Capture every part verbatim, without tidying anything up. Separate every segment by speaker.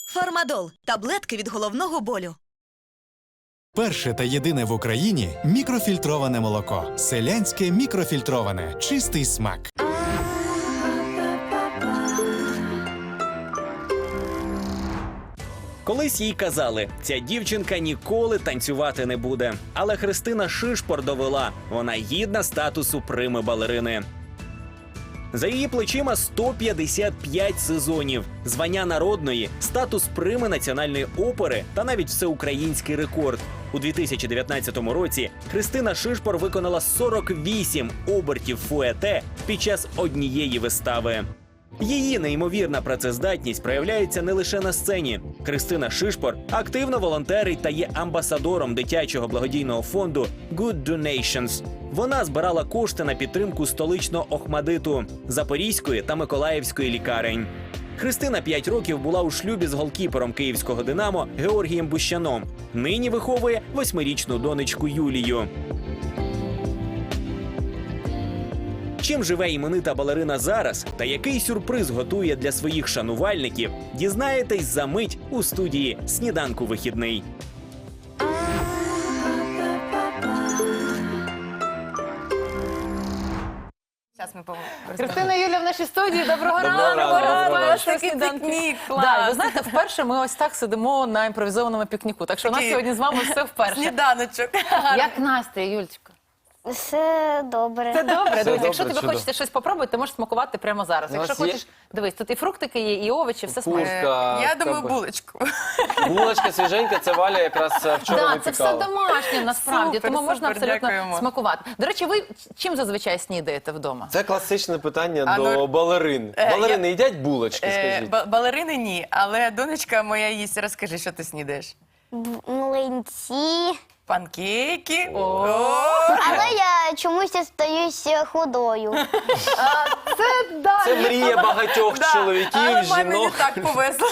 Speaker 1: Фармадол – таблетки від головного болю.
Speaker 2: Перше та єдине в Україні мікрофільтроване молоко. Селянське мікрофільтроване. Чистий смак.
Speaker 3: Колись їй казали, ця дівчинка ніколи танцювати не буде. Але Христина Шишпор довела, вона гідна статусу прими-балерини. За її плечима сто п'ятдесят п'ять сезонів, звання народної, статус прими Національної опери та навіть всеукраїнський рекорд. У дві тисячі дев'ятнадцятому році Христина Шишпор виконала сорок вісім обертів фуете під час однієї вистави. Її неймовірна працездатність проявляється не лише на сцені. Христина Шишпор активно волонтерить та є амбасадором дитячого благодійного фонду Good Donations. Вона збирала кошти на підтримку столичного Охмадиту, Запорізької та Миколаївської лікарень. Христина п'ять років була у шлюбі з голкіпером київського «Динамо» Георгієм Бущаном. Нині виховує восьмирічну донечку Юлію. Чим живе іменита балерина зараз та який сюрприз готує для своїх шанувальників, дізнаєтесь за мить у студії «Сніданку вихідний».
Speaker 4: Христина Юлія в нашій студії. Доброго
Speaker 5: Доброго
Speaker 4: ранку.
Speaker 5: ранку.
Speaker 4: Ранку.
Speaker 5: Такий
Speaker 4: пікнік. Да, ви знаєте, вперше ми ось так сидимо на імпровізованому пікніку. Так що у нас
Speaker 5: Такий
Speaker 4: сьогодні з вами все вперше.
Speaker 5: Сніданочок.
Speaker 4: Як настрій, Юлечко?
Speaker 6: Все добре.
Speaker 4: Це добре. Дивись,
Speaker 5: добре,
Speaker 4: якщо тобі
Speaker 5: чудово.
Speaker 4: хочеться щось попробувати, ти можеш смакувати прямо зараз.
Speaker 5: У
Speaker 4: Якщо
Speaker 5: нас є-
Speaker 4: хочеш, дивись, тут і фруктики є, і овочі, все
Speaker 5: Вкусно.
Speaker 4: смачно.
Speaker 5: Та,
Speaker 7: Я думаю,
Speaker 5: кабе.
Speaker 7: булочку.
Speaker 5: Булочка свіженька, це Валя якраз е, вчора
Speaker 4: Так, це все
Speaker 5: випікала.
Speaker 4: домашнє насправді,
Speaker 7: Супер,
Speaker 4: тому можна
Speaker 7: супер,
Speaker 4: абсолютно
Speaker 7: дякуємо.
Speaker 4: смакувати. До речі, ви чим зазвичай снідаєте вдома?
Speaker 5: Це класичне питання
Speaker 7: А,
Speaker 5: до
Speaker 7: ну,
Speaker 5: балерин.
Speaker 7: е,
Speaker 5: Балерини
Speaker 7: я-
Speaker 5: їдять булочки,
Speaker 7: Е,
Speaker 5: скажіть?
Speaker 7: ба- Балерини ні, але донечка моя їсть. Розкажи, що ти снідаєш?
Speaker 6: Б- Млинці.
Speaker 7: Панкейки. О!
Speaker 6: Але я чомусь остаюся худою.
Speaker 5: Це мрія багатьох
Speaker 7: Да,
Speaker 5: чоловіків,
Speaker 7: але мамі не
Speaker 5: жінок.
Speaker 7: так повезло.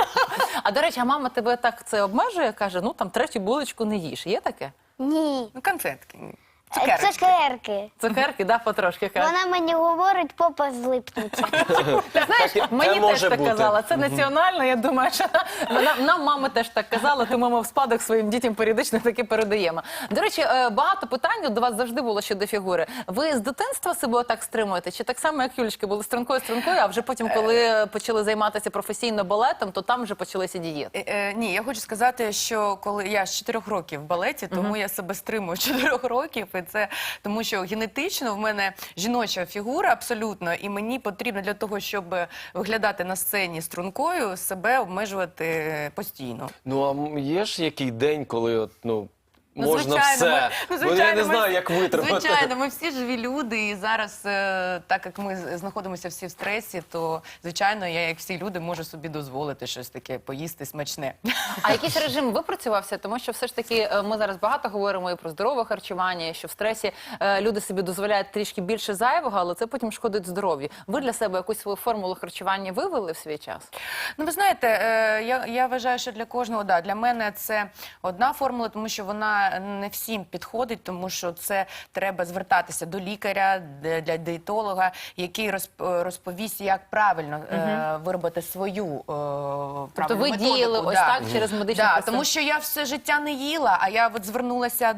Speaker 4: А до речі, а мама тебе так це обмежує, каже, ну там третю булочку не їж. Є таке?
Speaker 6: Ні.
Speaker 7: Ну, конфетки.
Speaker 6: Е,
Speaker 7: Цукерочки.
Speaker 6: Цукерки.
Speaker 4: Цукерки, да, потрошки каже.
Speaker 6: Вона мені говорить, попа злипнуть.
Speaker 4: Ти знаєш,
Speaker 5: Так,
Speaker 4: мені
Speaker 5: це
Speaker 4: теж
Speaker 5: може
Speaker 4: так
Speaker 5: бути.
Speaker 4: казала. Це національно, я думаю, що нам, нам мама теж так казала, тому ми в спадок своїм дітям періодично таки передаємо. До речі, е, багато питань до вас завжди було щодо фігури. Ви з дитинства себе отак стримуєте? Чи так само, як Юлічки, були стрункою-стрункою, а вже потім, коли почали займатися професійно балетом, то там вже почалися дієти?
Speaker 7: Е, е, Ні, я хочу сказати, що коли я з чотирьох років в балеті, тому я себе стримую з чотирьох років, і це тому, що генетично в мене жіноча фігура абсолютно, і мені потрібно для того, щоб виглядати на сцені стрункою, себе обмежувати постійно.
Speaker 5: Ну, а м- є ж який день, коли от, ну,
Speaker 7: Ну,
Speaker 5: можна
Speaker 7: звичайно,
Speaker 5: все?
Speaker 7: ми- ну,
Speaker 5: Бо я
Speaker 7: звичайно,
Speaker 5: не
Speaker 7: ми
Speaker 5: знаю,
Speaker 7: всі-
Speaker 5: як витримати.
Speaker 7: Звичайно, ми всі живі люди, і зараз, е, так як ми з- знаходимося всі в стресі, то, звичайно, я, як всі люди, можу собі дозволити щось таке поїсти смачне.
Speaker 4: А якийсь режим випрацювався? Тому що все ж таки е, ми зараз багато говоримо і про здорове харчування, і що в стресі е, люди собі дозволяють трішки більше зайвого, але це потім шкодить здоров'ю. Ви для себе якусь свою формулу харчування вивели в свій час?
Speaker 7: Ну, ви знаєте, е, я, я вважаю, що для кожного, да, для мене це одна формула, тому що вона не всім підходить, тому що це треба звертатися до лікаря, для, для диєтолога, який розп- розповість, як правильно е, виробити свою е, правильну
Speaker 4: Тобто ви
Speaker 7: методику.
Speaker 4: діяли ось
Speaker 7: Да.
Speaker 4: так через медичний
Speaker 7: Да,
Speaker 4: процес?
Speaker 7: тому що я все життя не їла, а я от звернулася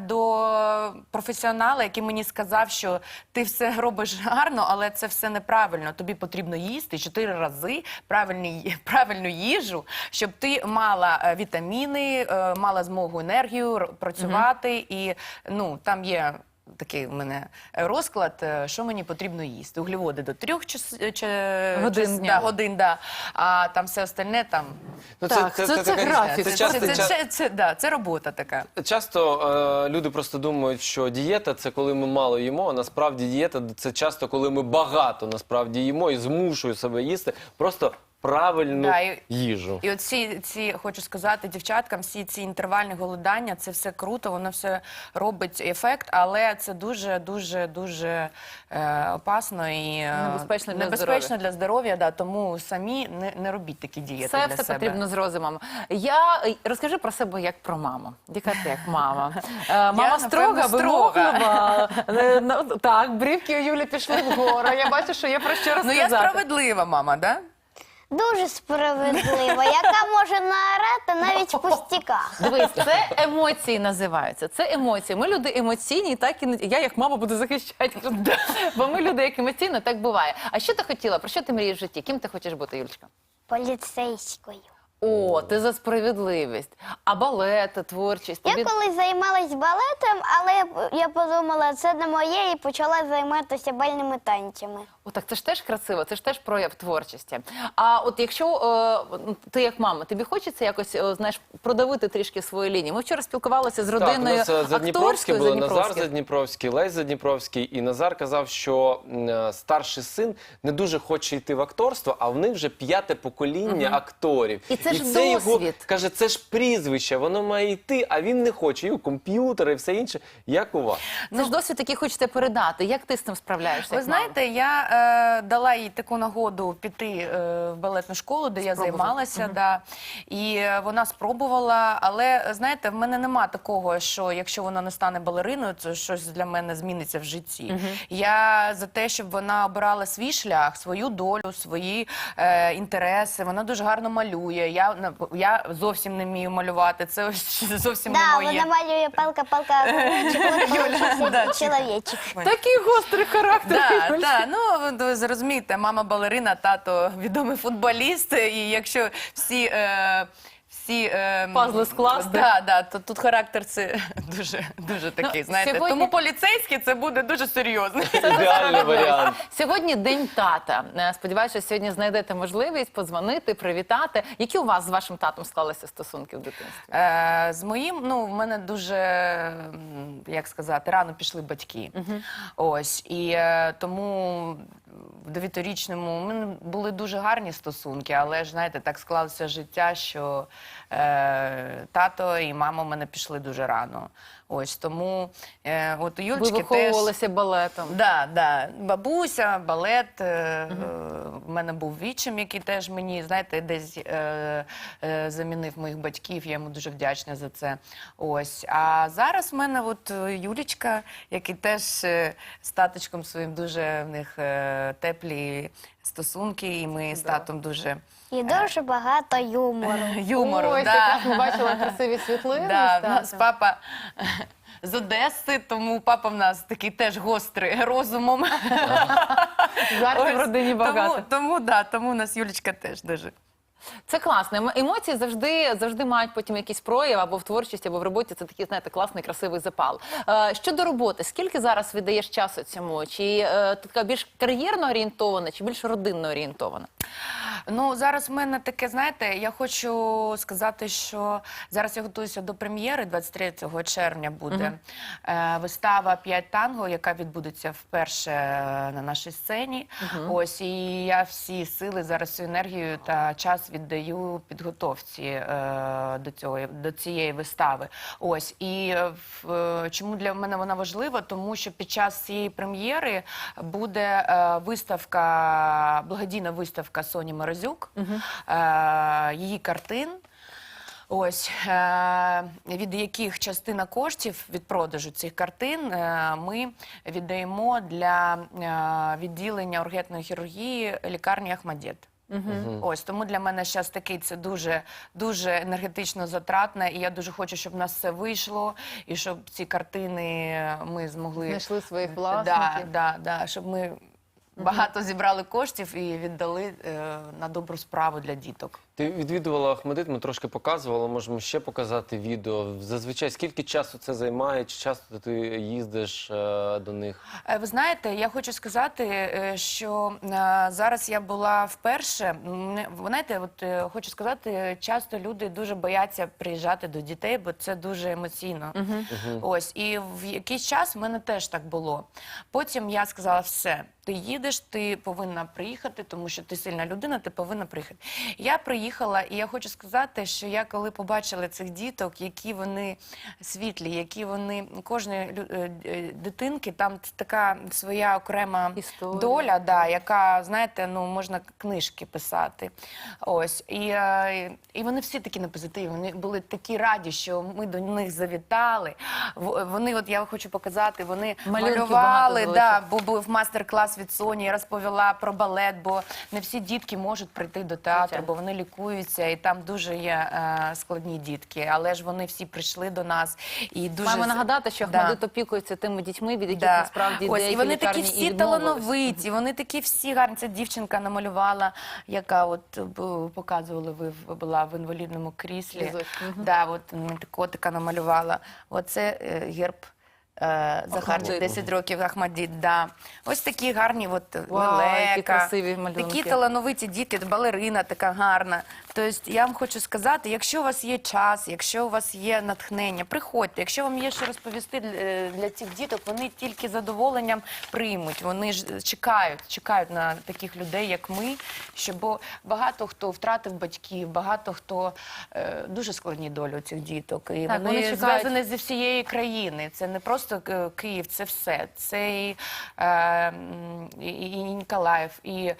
Speaker 7: до професіонала, який мені сказав, що ти все робиш гарно, але це все неправильно. Тобі потрібно їсти чотири рази правильні, правильну їжу, щоб ти мала е, вітаміни, е, мала змогу енергію р- працювати. І ну там є такий у мене розклад, е, що мені потрібно їсти. Углеводи до трьох час, чи,
Speaker 4: Годин
Speaker 7: час-
Speaker 4: дня.
Speaker 7: да, годин, да. А там все остальне там.
Speaker 5: Ну,
Speaker 4: Так, це- це
Speaker 5: така-
Speaker 4: графік.
Speaker 5: Це
Speaker 7: Це,
Speaker 5: часто,
Speaker 7: це,
Speaker 5: ча-
Speaker 7: це, це, да, це робота така.
Speaker 5: Часто е, люди просто думають, що дієта – це коли ми мало їмо, а насправді дієта – це часто, коли ми багато насправді їмо і змушую себе їсти просто правильну
Speaker 7: Да, і-
Speaker 5: їжу.
Speaker 7: І от всі ці, хочу сказати дівчаткам, всі ці інтервальні голодання, це все круто, воно все робить ефект, але це дуже, дуже, дуже е, опасно і е,
Speaker 4: Небезпечно для
Speaker 7: небезпечно
Speaker 4: здоров'я.
Speaker 7: для здоров'я, да, тому самі не, не робіть такі дієти
Speaker 4: Все,
Speaker 7: для
Speaker 4: все
Speaker 7: себе.
Speaker 4: потрібно з розумом. Я розкажи про себе як про маму. Яка ти як мама? Е, Мама
Speaker 7: Я,
Speaker 4: строга,
Speaker 7: напевно, строга.
Speaker 4: вимоглива. Е, ну, Так, брівки у Юлі пішли вгору. Я бачу, що є про що
Speaker 7: Ну
Speaker 4: розказати.
Speaker 7: я справедлива мама, да?
Speaker 6: Дуже справедлива, яка може наорати навіть в пустяках.
Speaker 4: Дивись, це емоції називаються. Це емоції. Ми люди емоційні, так і не- я як мама буду захищати. Бо ми люди як емоційно, так буває. А що ти хотіла? Про що ти мрієш в житті? Ким ти хочеш бути, Юлечка?
Speaker 6: Поліцейською.
Speaker 4: О, ти за справедливість. А балет, творчість?
Speaker 6: Я
Speaker 4: Тобі...
Speaker 6: колись займалась балетом, але я- я подумала, це не моє, і почала займатися бальними танцями.
Speaker 4: О, так це ж теж красиво, це ж теж прояв творчості. А от якщо е, ну, ти як мама, тобі хочеться якось, е, знаєш, продавити трішки свої лінії? Ми вчора спілкувалися з родиною
Speaker 5: Так, у нас е, Задніпровські
Speaker 4: акторською.
Speaker 5: були, Назар
Speaker 4: Задніпровських.
Speaker 5: Задніпровський, Лесь Задніпровський. І Назар казав, що м, е, старший син не дуже хоче йти в акторство, а в них вже п'яте покоління акторів.
Speaker 4: І це ж
Speaker 5: його,
Speaker 4: досвід.
Speaker 5: каже, це ж прізвище, воно має йти, а він не хоче. І комп'ютери, і все інше. Як у вас?
Speaker 4: Це ж досвід, який хочете передати. Як ти з цим справляєшся?
Speaker 7: Ви
Speaker 4: як мама?
Speaker 7: знаєте, я е, дала їй таку нагоду піти е, в балетну школу, де я
Speaker 4: Спробувати.
Speaker 7: займалася, да, і е, вона спробувала, але знаєте, в мене нема такого, що якщо вона не стане балериною, то щось для мене зміниться в житті. Я за те, щоб вона обирала свій шлях, свою долю, свої е, інтереси. Вона дуже гарно малює. Я, на- я зовсім не вмію малювати, це ось зовсім
Speaker 6: Да,
Speaker 7: не моє.
Speaker 6: вона малює палка-палка,
Speaker 7: да.
Speaker 6: чоловічик.
Speaker 4: Такий гострий характер.
Speaker 7: Да,
Speaker 4: Юль.
Speaker 7: да, ну ви зрозумієте, мама балерина, тато відомий футболіст, і якщо всі. Е, всі е,
Speaker 4: Пазли скласти.
Speaker 7: Да, да, то тут характер це дуже, дуже такий,
Speaker 4: Ну,
Speaker 7: знаєте.
Speaker 4: сьогодні-
Speaker 7: Тому поліцейський це буде дуже серйозно.
Speaker 5: Ідеальний варіант.
Speaker 4: Сьогодні День тата. Е, Сподіваюся, що сьогодні знайдете можливість подзвонити, привітати. Які у вас з вашим татом склалися стосунки в дитинстві?
Speaker 7: Е, з моїм, ну, в мене дуже, м, як сказати, рано пішли батьки. Ось, і е, тому в дев'ятирічному у мене були дуже гарні стосунки, але ж, знаєте, так склалося життя, що е, тато і мама в мене пішли дуже рано. Ось, тому е, от у
Speaker 4: Ви
Speaker 7: Юлечки теж...
Speaker 4: виховувалися балетом.
Speaker 7: Да, да. Бабуся, балет. Е, е, в мене був відчим, який теж мені, знаєте, десь е, е, замінив моїх батьків. Я йому дуже вдячна за це. Ось. А зараз в мене от е, Юлічка, який теж е, з таточком своїм дуже в них е, теплі стосунки, і ми з татом дуже
Speaker 6: І дуже багато юмору.
Speaker 7: юмору.
Speaker 4: Ось,
Speaker 7: да.
Speaker 4: якраз ми бачили красиві світлини.
Speaker 7: Да,
Speaker 4: з
Speaker 7: в нас
Speaker 4: татом.
Speaker 7: папа з Одеси, тому папа в нас такий теж гострий розумом.
Speaker 4: Жартів в
Speaker 7: Ось,
Speaker 4: родині багато.
Speaker 7: Тому, тому, да, тому у нас Юлічка теж дуже.
Speaker 4: Це класно. Ем- Емоції завжди, завжди мають потім якийсь прояв або в творчості, або в роботі. Це такий, знаєте, класний, красивий запал. Е, щодо роботи, скільки зараз віддаєш часу цьому? Чи е, ти така більш кар'єрно орієнтована, чи більш родинно орієнтована?
Speaker 7: Ну, зараз в мене таке, знаєте, я хочу сказати, що зараз я готуюся до прем'єри, двадцять третього червня буде е, вистава «П'ять танго», яка відбудеться вперше на нашій сцені. Ось, і я всі сили, зараз всю енергію та час віддаю підготовці е, до, цього, до цієї вистави. Ось, і е, в- е, чому для мене вона важлива? Тому що під час цієї прем'єри буде е, виставка, благодійна виставка Соні Морозюк, е, її картин. Ось, е, від яких частина коштів від продажу цих картин е, ми віддаємо для е, відділення ургентної хірургії лікарні Ахмадєт. Ось, тому для мене зараз такий це дуже, дуже енергетично затратне, і я дуже хочу, щоб в нас все вийшло, і щоб ці картини ми змогли...
Speaker 4: Знайшли своїх
Speaker 7: Да,
Speaker 4: власників.
Speaker 7: да, да, щоб ми багато зібрали коштів і віддали е, на добру справу для діток.
Speaker 5: Ти відвідувала Ахмадит, ми трошки показували, можемо ще показати відео. Зазвичай скільки часу це займає, чи часто ти їздиш е, до них?
Speaker 7: Е, Ви знаєте, я хочу сказати, е, що е, зараз я була вперше. Мене- Ви знаєте, от е, хочу сказати, часто люди дуже бояться приїжджати до дітей, бо це дуже емоційно. Ось, і в якийсь час в мене теж так було. Потім я сказала, все, ти їдеш, ти повинна приїхати, тому що ти сильна людина, ти повинна приїхати. Я приїхала. поїхала, і я хочу сказати, що я коли побачила цих діток, які вони світлі, які вони, кожної лю- е, е, дитинки, там така своя окрема
Speaker 4: Історія.
Speaker 7: доля, да, яка, знаєте, ну, можна книжки писати. Ось. І, е, і вони всі такі на позитиві, вони були такі раді, що ми до них завітали. В- Вони, от я хочу показати, вони
Speaker 4: Малюнків
Speaker 7: малювали,
Speaker 4: багато
Speaker 7: да, бо був мастер-клас від Соні, я розповіла про балет, бо не всі дітки можуть прийти до театру,
Speaker 4: Звичайно.
Speaker 7: бо вони лікуються, і там дуже є е, складні дітки, але ж вони всі прийшли до нас. І дуже...
Speaker 4: Маємо нагадати, що
Speaker 7: Да.
Speaker 4: Ахмадит опікується тими дітьми, від яких
Speaker 7: Да.
Speaker 4: насправді
Speaker 7: Ось,
Speaker 4: деякі
Speaker 7: і вони такі
Speaker 4: лікарні і
Speaker 7: всі
Speaker 4: відмовились.
Speaker 7: талановиті, вони такі всі гарні. Ця дівчинка намалювала, яка от бу- показували, ви в- була в інвалідному кріслі.
Speaker 4: Візочок, мгм.
Speaker 7: Да, от м, котика намалювала. Оце е, герб. Е, Захар,
Speaker 4: Ахмадит.
Speaker 7: десять років, Ахмадит, да. Ось такі гарні, от
Speaker 4: Вау,
Speaker 7: лелека,
Speaker 4: які красиві малюнки.
Speaker 7: такі талановиті діти, балерина така гарна. Тобто я вам хочу сказати, якщо у вас є час, якщо у вас є натхнення, приходьте. Якщо вам є що розповісти для, для цих діток, вони тільки з задоволенням приймуть. Вони ж чекають, чекають на таких людей, як ми. Що, бо багато хто втратив батьків, багато хто е, дуже складні долі у цих діток. І
Speaker 4: Так,
Speaker 7: вони,
Speaker 4: вони чекають.
Speaker 7: зв'язані зі всієї країни. Це не просто е, Київ, це все. Це і, е, м, і, і Ніколаїв, і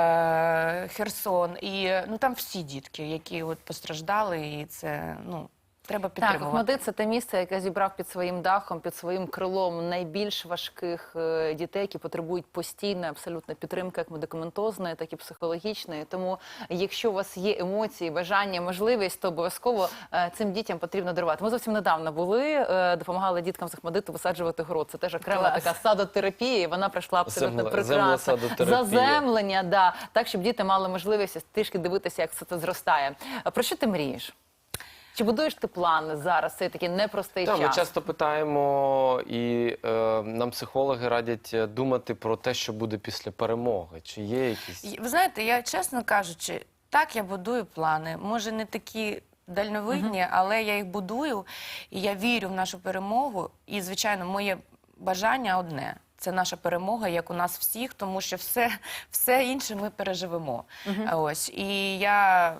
Speaker 7: е, Херсон, і ну там всі дітки, які от постраждали, і це ну. Треба
Speaker 4: Так,
Speaker 7: підтримувати.
Speaker 4: Ахмадит – це те місце, яке зібрав під своїм дахом, під своїм крилом найбільш важких е, дітей, які потребують постійної абсолютно підтримки, як медикаментозної, так і психологічної. Тому, якщо у вас є емоції, бажання, можливість, то обов'язково е, цим дітям потрібно дарувати. Ми зовсім недавно були, е, допомагали діткам з Ахмадиту висаджувати город. Це теж окрема
Speaker 7: Клас.
Speaker 4: така садотерапія, і вона пройшла абсолютно
Speaker 5: Земле-
Speaker 4: прекрасно.
Speaker 5: землесадотерапія.
Speaker 4: Заземлення, да, так, щоб діти мали можливість трішки дивитися, як все це зростає. А про що ти мрієш? Чи будуєш ти плани зараз? Це такий непростий
Speaker 5: Так, ми
Speaker 4: час.
Speaker 5: часто питаємо, і е, нам психологи радять е, думати про те, що буде після перемоги. Чи є якісь...
Speaker 7: І, Ви знаєте, я чесно кажучи, так я будую плани. Може, не такі дальновидні, але я їх будую, і я вірю в нашу перемогу. І, звичайно, моє бажання одне. Це наша перемога, як у нас всіх, тому що все, все інше ми переживемо. Ось. І я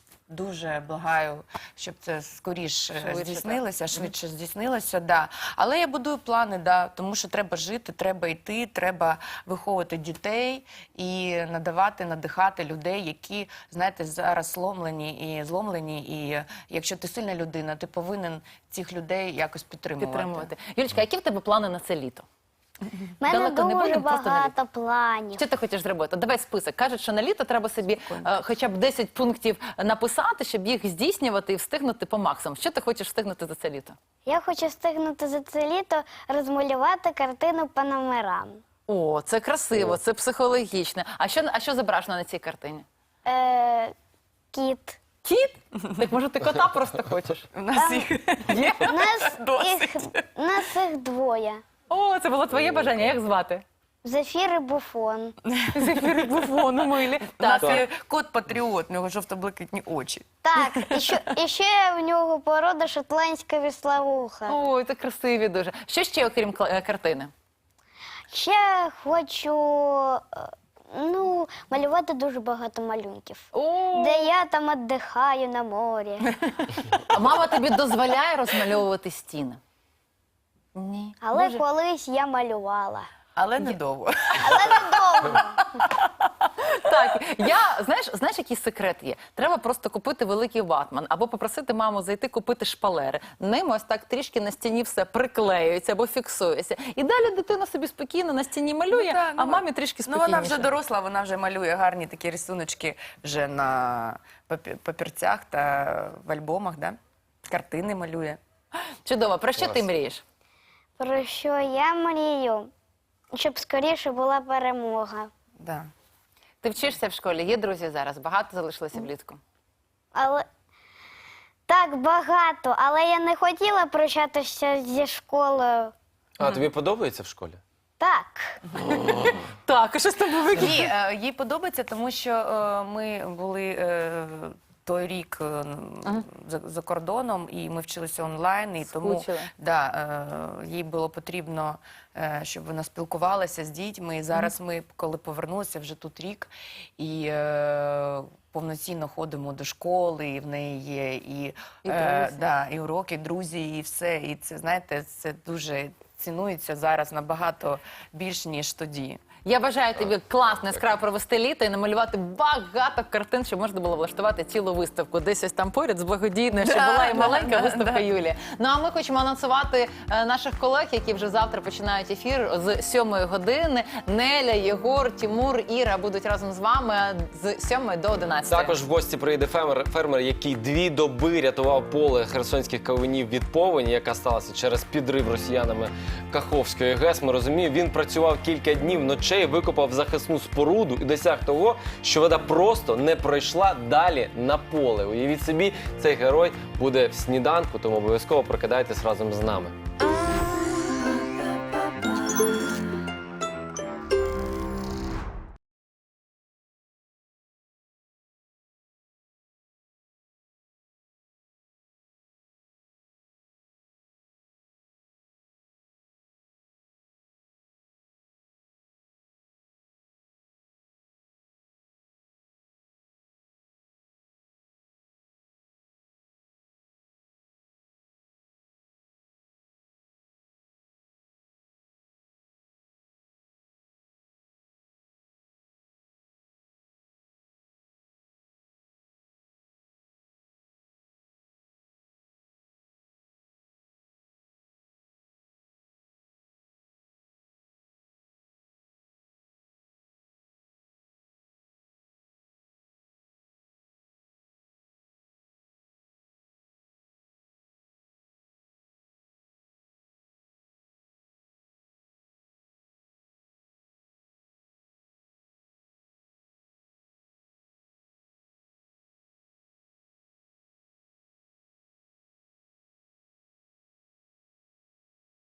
Speaker 7: дуже благаю, щоб це скоріше
Speaker 4: Швидше,
Speaker 7: здійснилося, швидше здійснилося, да. Але я будую плани, да, тому що треба жити, треба йти, треба виховувати дітей і надавати, надихати людей, які, знаєте, зараз сломлені і зломлені. І якщо ти сильна людина, ти повинен цих людей якось підтримувати.
Speaker 4: підтримувати. Юлічка, які в тебе плани на це літо?
Speaker 6: У мене
Speaker 4: Далеко не
Speaker 6: дуже
Speaker 4: будемо, просто на
Speaker 6: багато планів.
Speaker 4: Що ти хочеш зробити? Давай список. Кажуть, що на літо треба собі е, хоча б десять пунктів написати, щоб їх здійснювати і встигнути по максимуму. Що ти хочеш встигнути за це літо?
Speaker 6: Я хочу встигнути за це літо розмалювати картину по номерам.
Speaker 4: О, це красиво, це психологічно. А що, а що зображено на цій картині?
Speaker 6: Е, кіт.
Speaker 4: Кіт? Так може ти кота просто хочеш?
Speaker 7: У нас їх
Speaker 4: Є?
Speaker 6: Нас їх, нас їх двоє.
Speaker 4: О, це було твоє бажання. Як звати?
Speaker 6: Зефір і Буфон.
Speaker 4: Зефіри буфону милі.
Speaker 7: У нас
Speaker 4: Так.
Speaker 7: є кот-патріот, у нього жовто-блакитні очі.
Speaker 6: Так, і ще, і ще в нього порода шотландська віслоуха.
Speaker 4: Ой, це красиві дуже. Що ще, окрім кла- е, картини?
Speaker 6: Ще хочу е, ну, малювати дуже багато малюнків.
Speaker 4: О,
Speaker 6: Де я там віддихаю на морі.
Speaker 4: а мама тобі дозволяє розмальовувати стіни? Ні.
Speaker 6: Але
Speaker 4: Боже.
Speaker 6: колись я малювала.
Speaker 7: Але недовго.
Speaker 6: Але недовго.
Speaker 4: Так, я, знаєш, знаєш, який секрет є? Треба просто купити великий ватман або попросити маму зайти купити шпалери. Ним ось так трішки на стіні все приклеюється або фіксується. І далі дитина собі спокійно на стіні малює,
Speaker 7: Ну, так,
Speaker 4: а
Speaker 7: ну,
Speaker 4: мамі трішки
Speaker 7: Ну,
Speaker 4: спокійніше.
Speaker 7: вона вже доросла, вона вже малює гарні такі рисуночки вже на папі- папірцях та в альбомах, да? Картини малює.
Speaker 4: Чудово. Про що ти
Speaker 5: Клас.
Speaker 4: мрієш?
Speaker 6: Про що я мрію? Щоб скоріше була перемога.
Speaker 7: Да.
Speaker 4: Ти вчишся в школі, є друзі зараз, багато залишилося влітку.
Speaker 6: Але так багато, але я не хотіла прощатися зі школою.
Speaker 5: А, тобі подобається в школі?
Speaker 6: Так.
Speaker 4: Так, а що з тобою
Speaker 7: Ні, е, їй подобається, тому що е, ми були е, той рік е, за, за кордоном, і ми вчилися онлайн, і тому
Speaker 4: Скучили.
Speaker 7: да, е, їй було потрібно, е, щоб вона спілкувалася з дітьми. І зараз ми, коли повернулися, вже тут рік, і е, повноцінно ходимо до школи, і в неї є і,
Speaker 4: І
Speaker 7: е,
Speaker 4: друзі.
Speaker 7: да, і уроки, і друзі, і все. І це, знаєте, це дуже цінується зараз набагато більш, ніж тоді.
Speaker 4: Я бажаю тобі класно, яскраво провести літо і намалювати багато картин, щоб можна було влаштувати цілу виставку. Десь ось там поряд з благодійною, щоб
Speaker 7: Да,
Speaker 4: була і
Speaker 7: да,
Speaker 4: маленька
Speaker 7: да,
Speaker 4: виставка
Speaker 7: да.
Speaker 4: Юлії. Ну а ми хочемо анонсувати е, наших колег, які вже завтра починають ефір з сьомої години. Неля, Єгор, Тімур, Іра будуть разом з вами з сьомої до одинадцятої.
Speaker 5: Також в гості приїде фермер, фермер, який дві доби рятував поле херсонських кавунів від повені, яка сталася через підрив росіянами Каховської ГЕС. Ми розуміємо, він працював кілька днів ночей, викопав захисну споруду і досяг того, що вода просто не пройшла далі на поле. Уявіть собі, цей герой буде в сніданку, тому обов'язково прокидайтесь разом з нами.